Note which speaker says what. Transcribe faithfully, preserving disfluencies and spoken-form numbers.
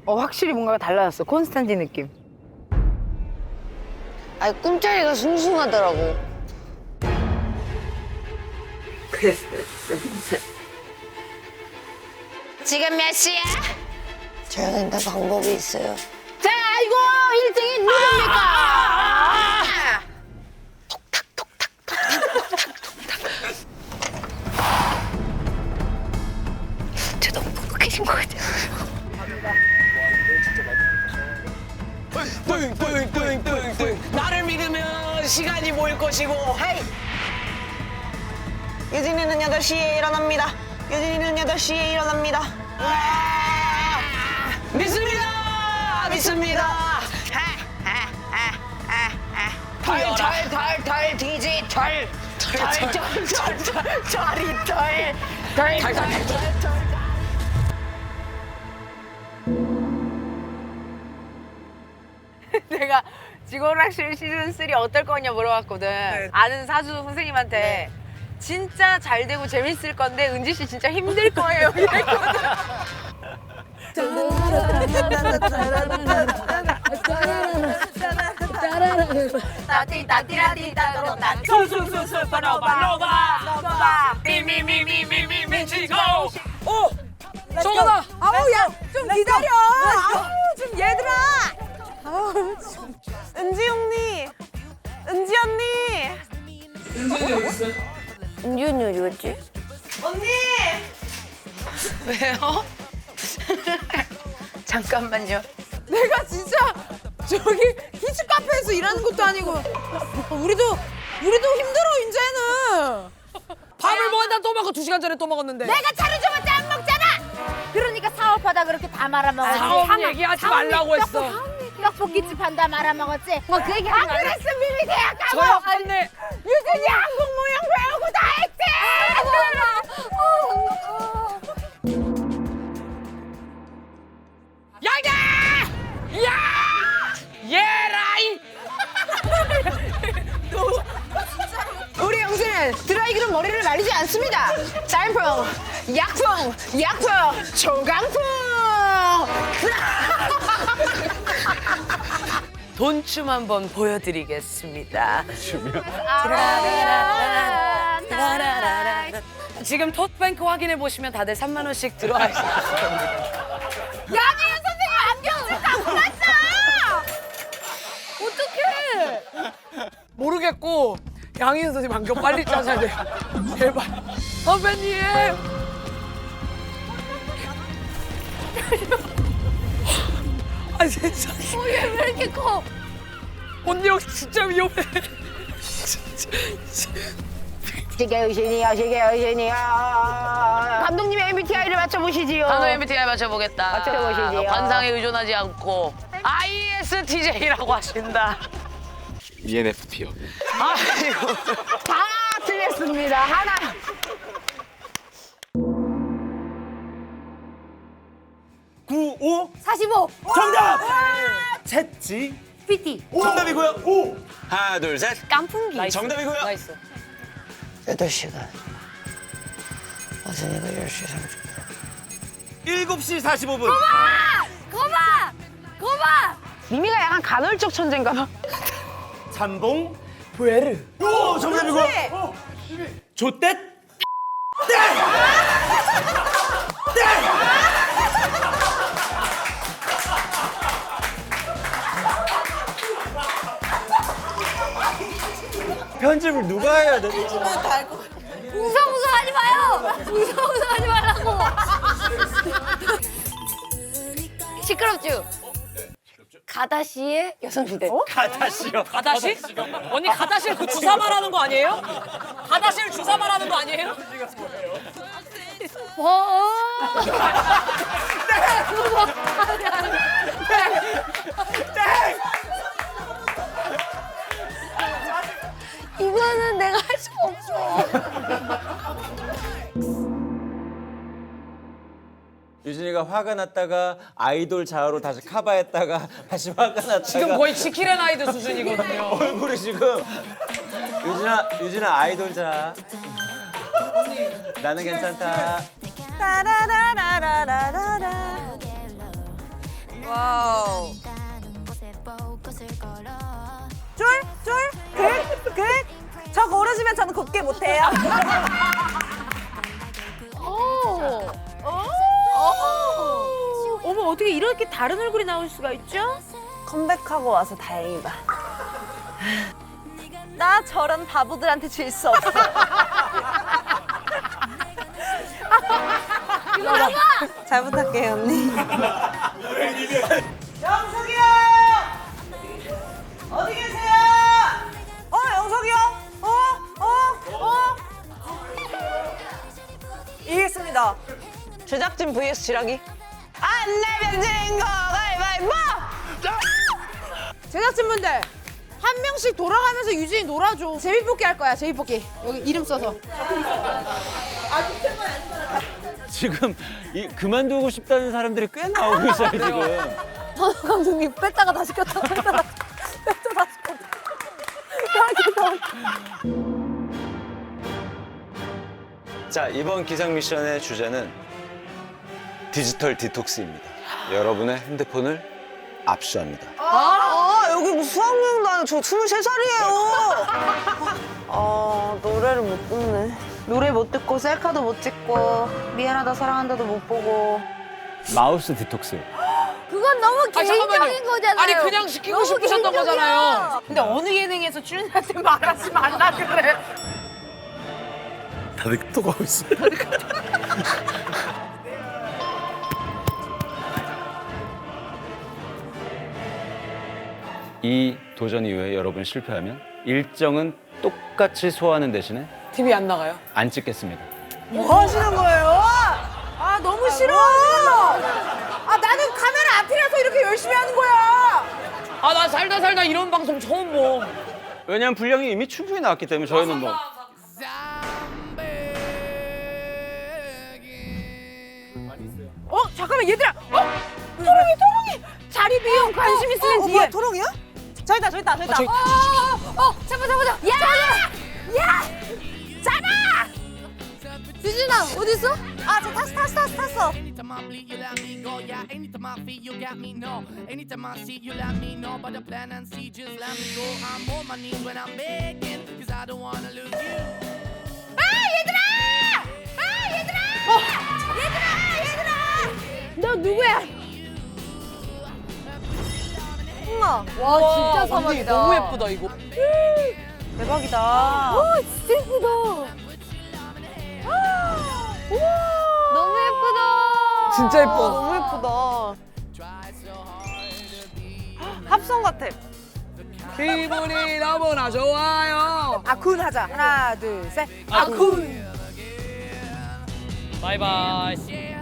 Speaker 1: 어, 확실히 뭔가가 달라졌어. 콘스탄틴 느낌.
Speaker 2: 아니 꿈자리가 숭숭하더라고. 지금 몇 시야? 저희는 다 방법이 있어요.
Speaker 1: 자, 이거 일 등이 누굽니까?
Speaker 2: 저 너무 뻑뻑해진 것 같아요.
Speaker 3: 뚱뚱뚱뚱뚱 나를 믿으면 시간이 모일 것이고 헤이
Speaker 4: 유진이는 여덟 시에 일어납니다. 유진이는 여덟 시에 일어납니다.
Speaker 3: 믿습니다 믿습니다
Speaker 1: 털털털털 디지 털. 털털털털 털이 털. 털털털. 내가 직원학실 시즌 쓰리 어떨 거냐 물어봤거든. 아는 사주 선생님한테 진짜 잘 되고 재밌을 건데 은지 씨 진짜 힘들 거예요. 이랬거든. 따띠따띠라띠따따따
Speaker 3: 술술술술 바로바로바 미미미미미미 미치고 오 저거다
Speaker 1: 아우 야좀 기다려. 아우 좀 얘들아.
Speaker 4: 은지 언니! 은지 언니!
Speaker 2: 은지 언니 어디 갔지?
Speaker 4: 언니!
Speaker 1: 왜요? 잠깐만요. 내가 진짜 저기 키즈 카페에서 일하는 것도 아니고 우리도 우리도 힘들어 이제는.
Speaker 3: 밥을 먹었다 또 먹고 두 시간 전에 또 먹었는데
Speaker 5: 내가 차려줘봤자 안 먹잖아. 그러니까 사업하다 그렇게 다 말아먹었지.
Speaker 3: 사업 얘기하지 말라고 했어
Speaker 5: 떡볶이집 한다 말아먹었지. 뭐 그 얘기 안 그랬으면 미미 대학 가고.
Speaker 3: 저요 언니
Speaker 5: 유진이 한국 무용 배우고 다 했지.
Speaker 3: 야야 야 예라이
Speaker 1: 우리 영수는 드라이기로 머리를 말리지 않습니다. 짬뽕, 약풍, 약풍, 초강풍.
Speaker 3: 돈춤 한번 보여드리겠습니다. 지금 톡뱅크 확인해 보시면 다들 삼만 원씩 들어와 있을 겁니다.
Speaker 5: 야미연 선생님 안경 쓴다고 났어. 어떡해.
Speaker 3: 모르겠고 양희은 선생님 안경 빨리 짜셔야 돼요. 제발 선배님. 아 진짜.
Speaker 5: 어, 얘 왜 이렇게 커?
Speaker 3: 언니 여기 진짜 위험해.
Speaker 1: 시계 의신이요, 시계 의신이요. 감독님의 엠비티아이를 맞춰보시지요.
Speaker 3: 단어 엠비티아이 맞춰보겠다.
Speaker 1: 맞춰보시지요.
Speaker 3: 관상에 의존하지 않고 아이에스티제이라고 하신다.
Speaker 6: 이엔에프피요.
Speaker 3: 아이고.
Speaker 1: 다 틀렸습니다. 하나.
Speaker 6: 구오
Speaker 5: 사십오.
Speaker 6: 정답. 챗지
Speaker 5: 피티.
Speaker 6: 정답이고요. 오 하나 둘 셋.
Speaker 5: 깐풍기.
Speaker 3: 나이스.
Speaker 6: 정답이고요.
Speaker 3: 나이스.
Speaker 2: 여덟 시간. 어제니가 열 시 삼십 분.
Speaker 6: 일곱 시 사십오 분.
Speaker 5: 거봐. 거봐.
Speaker 1: 미미가 약간 간헐적 천재인가 봐.
Speaker 6: 잠봉 부에르. 오 정답이고요. 어, 조댓. 편집을 누가 해야 돼?
Speaker 5: 웅성웅성하지 마요. 웅성웅성하지 말라고. 시끄럽죠? 가다시의 여성시대.
Speaker 6: 가다시요.
Speaker 3: 가다시? 언니 가다시를 그 주사 말하는 거 아니에요? 가다시를 주사 말하는 거 아니에요?
Speaker 5: 어. 이거는 내가 할 수가 없어.
Speaker 6: 유진이가 화가 났다가 아이돌 자아로 다시 커버했다가 다시 화가 났다가
Speaker 3: 지금 거의 지킬앤 하이드 수준이거든요.
Speaker 6: 얼굴이 지금 유진아 유진아 아이돌 자아 나는 괜찮다.
Speaker 4: 따라라라라라라
Speaker 1: 와우.
Speaker 4: 쫄? 쫄? 긋? 긋? 저 고르시면 저는 곱게 못해요.
Speaker 1: 오. 어머 어떻게 이렇게 다른 얼굴이 나올 수가 있죠?
Speaker 4: 컴백하고 와서 다행이다. 나 저런 바보들한테 질 수 없어. 잘 부탁해요, 언니. 영석이 형! 어디 계세요? 어, 영석이 형? 어? 어? 어? 이겼습니다. 제작진 vs 지라기. 안 내면 진 거 가위바위보!
Speaker 5: 제작진분들 한 명씩 돌아가면서 유진이 놀아줘. 제비뽑기 할 거야. 제비뽑기. 여기 이름 써서.
Speaker 6: 지금 이 그만두고 싶다는 사람들이 꽤 나오고 있어요 지금.
Speaker 5: 선우 감독님 뺐다가 다시 꼈다 뺐다가 뺐다 다시 꼈다.
Speaker 6: 자, 이번 기상 미션의 주제는 디지털 디톡스입니다. 여러분의 핸드폰을 압수합니다.
Speaker 4: 아, 여기 뭐 수학여행도 아니고 저 스물세 살이에요. 아, 노래를 못 듣네. 노래 못 듣고 셀카도 못 찍고 미안하다 사랑한다도 못 보고.
Speaker 6: 마우스 디톡스.
Speaker 5: 그건 너무
Speaker 3: 아니,
Speaker 5: 개인적인
Speaker 3: 잠깐만요.
Speaker 5: 거잖아요.
Speaker 3: 아니 그냥 시키고
Speaker 5: 너무
Speaker 3: 싶으셨던
Speaker 5: 개인적이야.
Speaker 3: 거잖아요.
Speaker 1: 근데 어느 예능에서 출연자한테 말하지 말라 그래.
Speaker 6: 다들 톡하고 있어. 이 도전 이후에 여러분 실패하면 일정은 똑같이 소화하는 대신에
Speaker 3: 티비 안 나가요?
Speaker 6: 안 찍겠습니다.
Speaker 4: 뭐 하시는 거예요?
Speaker 5: 아 너무 싫어. 아 나는 카메라 앞이라서 이렇게 열심히 하는 거야.
Speaker 3: 아 나 살다 살다 이런 방송 처음 봐.
Speaker 6: 왜냐하면 분량이 이미 충분히 나왔기 때문에 저희는 뭐
Speaker 1: 어 잠깐만 얘들아. 어 토롱이 토롱이 자리 비용 관심 있으면
Speaker 4: 어,
Speaker 1: 뒤에.
Speaker 4: 뭐야, 토롱이야? 저기 있다, 저기 있다, 저기 있다.
Speaker 3: 저기-
Speaker 5: 어, 어, 잡아, 잡아, 잡아. 야! 야! 잡아! 유진아, 어딨어?
Speaker 4: 아, 저 탔어, 탔어, 탔어, 탔어.
Speaker 7: Anytime I bleed, you let me go. Yeah, anytime I feel, you got me. No, anytime I see, you let me know. But the plan and see, just let me go. I'm on my knees when I'm begging, cause I don't wanna lose you.
Speaker 5: 아, 얘들아! 아, 얘들아! 얘들아, 얘들아! 너 누구야?
Speaker 4: 우와.
Speaker 5: 와, 진짜 사막이다.
Speaker 3: 너무 예쁘다 이거.
Speaker 4: 대박이다.
Speaker 5: 와, 진짜 예쁘다. 너무 예쁘다.
Speaker 3: 진짜 예뻐.
Speaker 4: 너무 예쁘다. 합성 같아.
Speaker 3: 기분이 너무나 좋아요.
Speaker 1: 아쿤 하자. 하나 둘 셋.
Speaker 3: 아쿤. 바이바이.